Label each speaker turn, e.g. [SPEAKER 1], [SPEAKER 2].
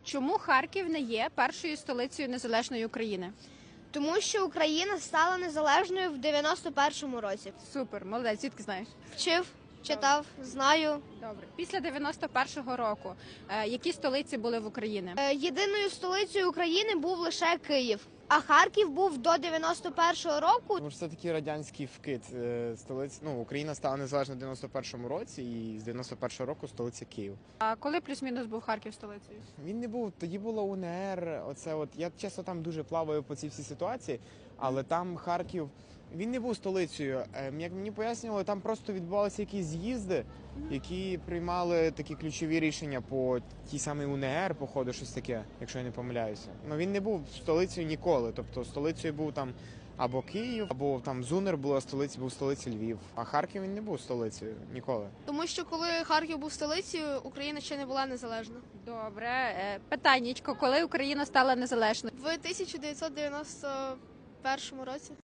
[SPEAKER 1] Чому Харків не є першою столицею незалежної України?
[SPEAKER 2] Тому що Україна стала незалежною в 91-му році.
[SPEAKER 1] Супер, молодець, звідки знаєш?
[SPEAKER 2] Вчив, читав, знаю.
[SPEAKER 1] Добре. Після 91-го року які столиці були в Україні?
[SPEAKER 2] Єдиною столицею України був лише Київ, а Харків був до 91-го року.
[SPEAKER 3] Тому що це такий радянський вкид столиць. Ну, Україна стала незалежна в 91-му році, і з 91-го року столиця Київ.
[SPEAKER 1] А коли плюс-мінус був Харків столицею?
[SPEAKER 3] Він не був, тоді було УНР. Оце от я чесно там дуже плаваю по цій всій ситуації, але там Харків. Він не був столицею. Як мені пояснювали, там просто відбувалися якісь з'їзди, які приймали такі ключові рішення по тій самій УНР, походу, щось таке, якщо я не помиляюся. Ну він не був столицею ніколи. Тобто столицею був там або Київ, або там Зунер була столиця, був столицею Львів. А Харків він не був столицею ніколи.
[SPEAKER 2] Тому що коли Харків був столицею, Україна ще не була незалежна.
[SPEAKER 1] Добре. Питаннячко, коли Україна стала незалежною?
[SPEAKER 2] В 1991 році.